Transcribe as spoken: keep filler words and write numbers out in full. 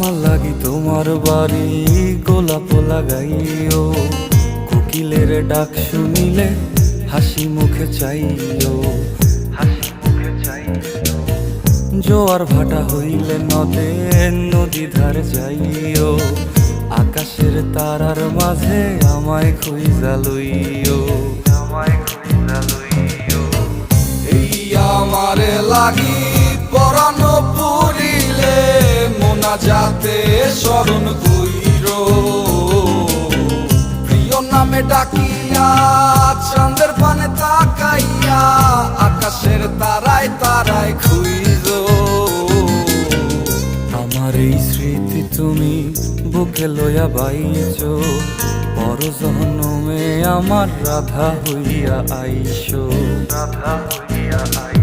আমার লাগি তোমার বাড়ি গোলাপ লাগাইও, কোকিলের ডাক শুনিলে হাসি মুখে চাইও, হাসি মুখে চাইও। জোয়ার ভাটা হইলে নদে নদী ধারে যাইও, আকাশের তারার মাঝে আমায় খুঁজা লইও, আমায় খুঁজা লইও। এই আমারে লাগি পরানো পুরিলে মোনাজাতে স্মরণ কইরো, প্রিয় নামে ডাকিয়া চাঁদের পানে তাকাইয়া আকাশের তারায় তারায় খুইরো। আমার এই স্মৃতি তুমি বুকে লইয়া বাইছো, পর জনমে আমার রাধা হইয়া আইসো, রাধা হইয়া আইসো।